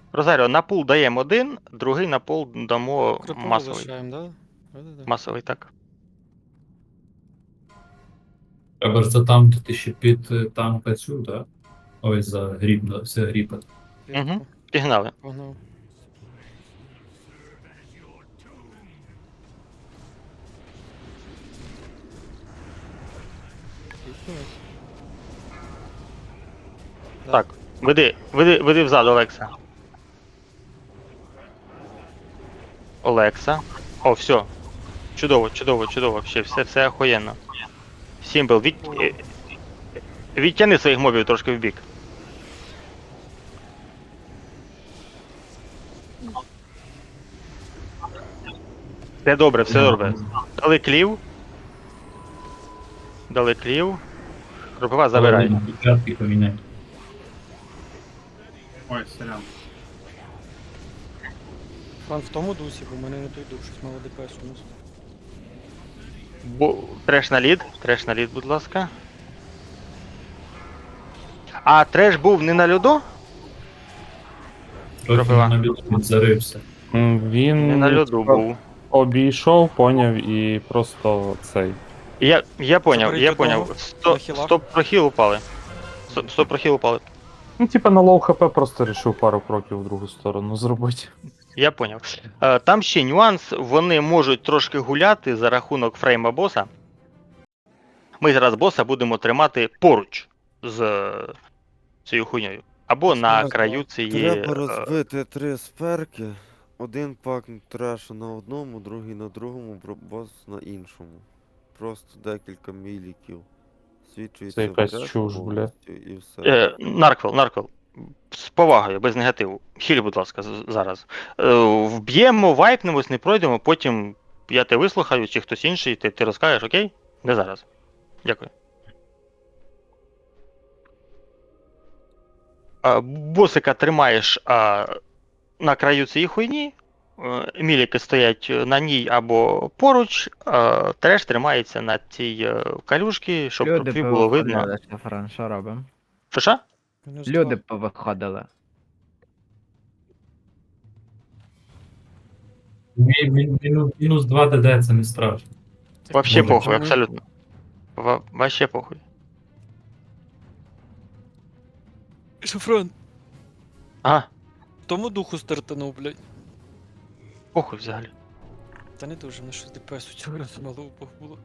Розаріо, на пул даємо один, другий на пул дамо Крипову масовий. лишаємо, да? Да-да-да. Масовий, так. Треба ж затамкати ще під танка цю, так? Ой, за гріб, все гріпати. Угу. Клітку. Пігнали. Погнав. Клітнулась. Да. Так. Веди взад, Олекса. Олекса. О, все. Чудово, чудово, чудово. Вообще, все охуєнно. Сімбл, відтяни своїх мобів трошки в бік. Все добре, все добре. Дали клів. Дали клів. Кропива забирай. Початки поміняй. Ой, сорян. Фран в тому дусі, бо в мене не той дух, щось мало ДПС у нас. Треш на лід, будь ласка. А треш був не на льоду? Трохи Кропива. на біту зарився. Він Не на льоду був. обійшов, поняв і просто цей. Я поняв, Заберіть я одного. поняв. На хілах. 100 прохіл упали. 100 прохіл упали. Ну, типа на лоу хп просто рішив пару кроків в другу сторону зробити. Я поняв. Там ще нюанс, вони можуть трошки гуляти за рахунок фрейма боса. Ми зараз боса будемо тримати поруч з цією хуйньою. Або на краю цієї. Треба розбити 3 сперки. Один пак трешу на одному, другий на другому, бос на іншому. Просто декілька міліків. Свідчується Це якась в треш чуж, бля. повністю і все. Нарквел. З повагою, без негативу. Хіль, будь ласка, зараз. Вб'ємо, вайпнемось, не пройдемо, потім я тебе вислухаю, чи хтось інший, ти розкажеш, окей? Не зараз. Дякую. Босика тримаєш на краю цієї хуйні, міліки стоять на ній або поруч, треш тримається на цій калюшці, щоб Люди тобі було видно. повиходили, Шафран, що робимо? Що? Мінус Люди 2. повиходили. Мінус 2 ДД, це не страшно. Вообще Може, похуй, чому? абсолютно. Вообще похуй. Шафран, Ага, тому духу стартанув, блядь. похуй взагалі. Та не дуже, на щось ДПС у цього разу мало упав було.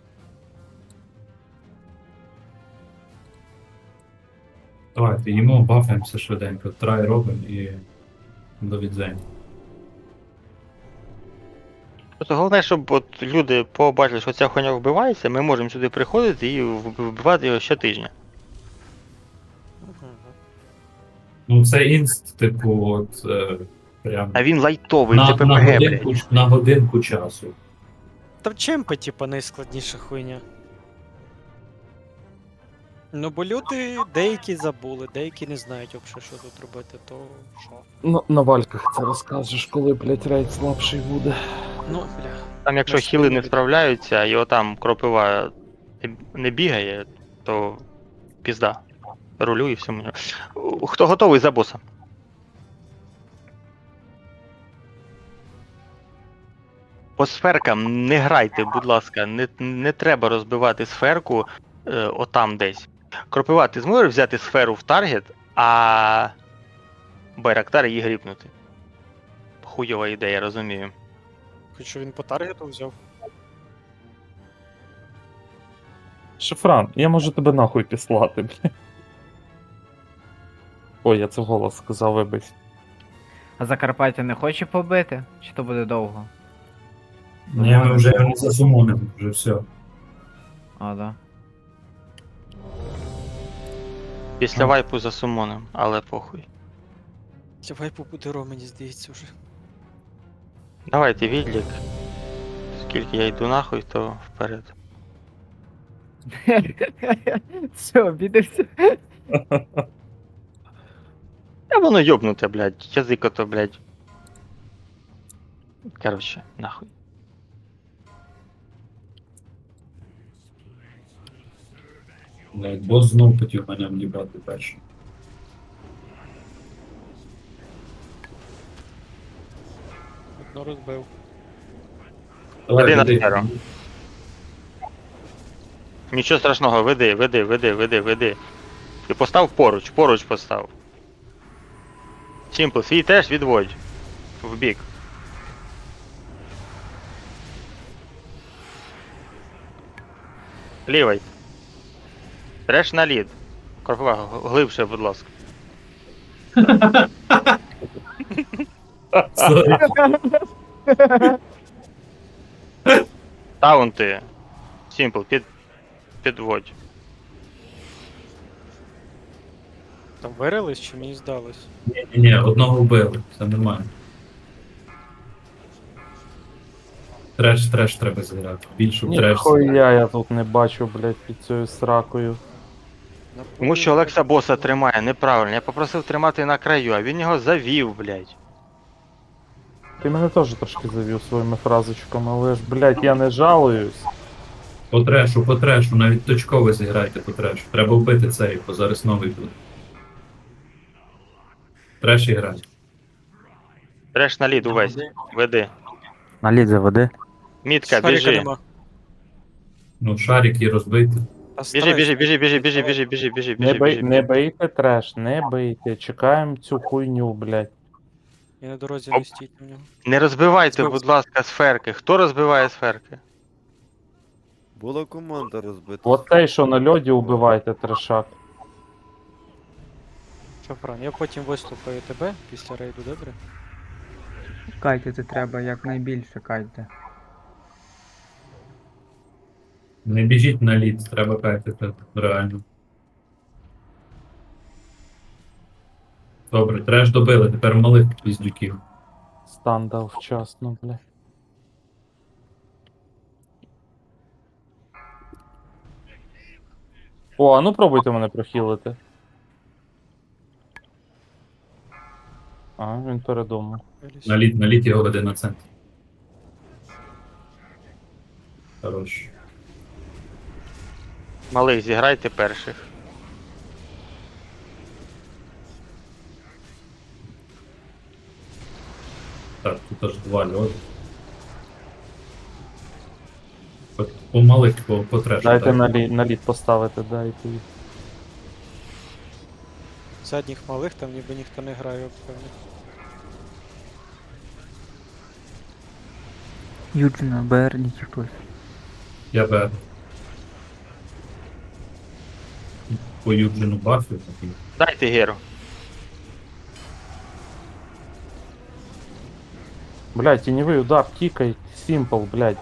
Давайте, їмо, бафаємося швиденько, трай робимо і до відзення. Просто головне, щоб от люди побачили, що ця хуйня вбивається, ми можемо сюди приходити і вбивати його щотижня. Ну це інст, типу, от прям А він лайтовий, це на ППГ, блядь. годинку, на годинку часу. Там чемпа, типа, найскладніша хуйня. Ну, бо люди деякі забули, деякі не знають взагалі, що тут робити, то що. Ну, на вальках це розкажеш, коли, блять, рейд слабший буде. Ну, бля. Там якщо Ми хіли не спільно справляються, і отам кропива не бігає, то пізда. Рулю і всьому. Хто готовий за боса? По сферкам не грайте, будь ласка, не треба розбивати сферку отам десь. Кропива, ти зможеш взяти сферу в таргет, а Байрактар її гріпнути. Хуйова ідея, розумію. Хоч він по таргету взяв. Шифран, я можу тебе нахуй післати, блядь. Ой, я це вголос сказав, вибач. А Закарпаття не хоче побити? Чи то буде довго? Ні, ми вже його не засумонимо, вже все. А, да. Після вайпу за сумоном, але похуй. Ця вайпу буде ро, мені здається вже. Давайте відлік. Скільки я йду нахуй, то вперед. Все, обідався. Та воно йобнуте, блядь, язик ото, блядь. Короче, нахуй. Блядь, бос знов хотів мене в'їбати першим. Ну розбив. Давай, Веди на веди. сферу. Нічого страшного, веди. Ти постав поруч постав. Сімпл, свій теж відводь. В бік. Лівий. Треш на лід. Корпова, глибше, будь ласка. Сорі. Таунти. Сімпл, підводь. Там вирились чи мені здалось? Ні, одного вбили, все нормально. Треш треба зіграти. Більше в треш. Ніхуя я тут не бачу, блядь, під цією сракою. На Тому полі що Олекса боса тримає неправильно. Я попросив тримати на краю, а він його завів, блядь. Ти мене теж трошки завів своїми фразочками, але ж, блядь, я не жалуюсь. По трешу, навіть точково зіграйте по трешу. Треба вбити цей, бо зараз новий буде. Треш і грай. Треш на лід увесь. Веди. На лід заведи. Мітка, Шарика біжи. нема. Ну, шарик і розбити. Та Біжи. Не бийте треш, не бийте. Чекаємо цю хуйню, блядь. І на дорозі Оп. не стійте в нього. Не розбивайте, Збив. будь ласка, сферки. Хто розбиває сферки? Була команда розбита. От той, що на льоді, убивайте трешак. Шафран, я потім виступаю тебе після рейду, добре? Кайтити треба якнайбільше кайте. Не біжіть на лід, треба кайтити, реально. Добре, треш добили, тепер малих піздюків. Стан дав вчасно, блядь. О, а ну пробуйте мене прохілити. А, він передумав. Вилізь. На лід його веде на центр. Хорош. Малих, зіграйте перших. Так, тут аж два льоди. По малих, по трешу. Дайте так. на лід поставити, дайте їх. Задніх малих там ніби ніхто не грає, певно. Юджина, Берні чи хтось. Я б по Юджину бафів такий. Дайте геру. Блядь, тіньовий удар, тікай, симпл, блядь.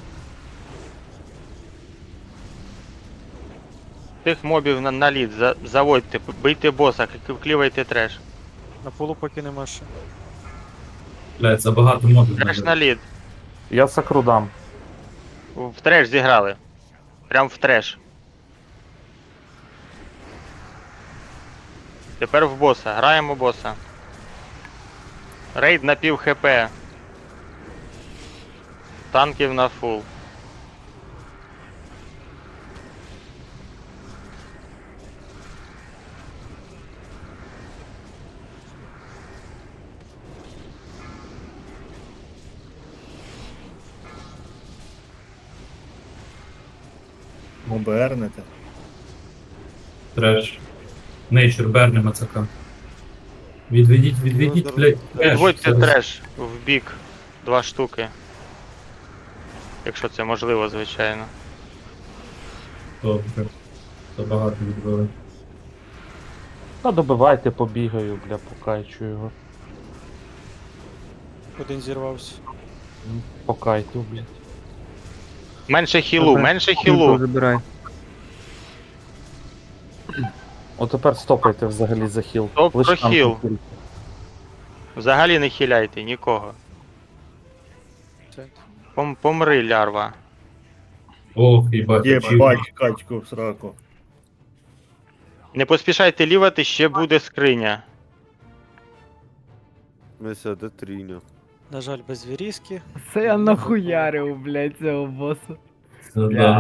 Тих мобів на лід, заводьте, бийте боса, клівайте треш. На полу поки нема ще. Блядь, забагато мобів. Треш надо. на лід. Я сакру дам. В треш зіграли. Прям в треш. Тепер в боса. Граємо боса. Рейд на пів хп. Танків на фул. Обернете. Треш. Нейчер, берне мацака. Відведіть, блядь, треш. Відводьте Зараз. треш в бік. 2 штуки. Якщо це можливо, звичайно. Добре. Забагато відвели. Та добивайте, побігаю, бля, покайчу його. Один зірвався. Покайту, блядь. Менше хілу, Добре. менше Кілько хілу. забирай. От тепер стопайте взагалі за хіл. Стоп, Лиш про там хіл. хіл. Взагалі не хиляйте нікого. Центр. Помри, лярва. Ох, їбать, очі. Єбать, качку в сраку. Не поспішайте лівати, ще буде скриня. Мися, де тріня? На жаль, без вірізки. Це я нахуярив, блядь, цього боса. Це да.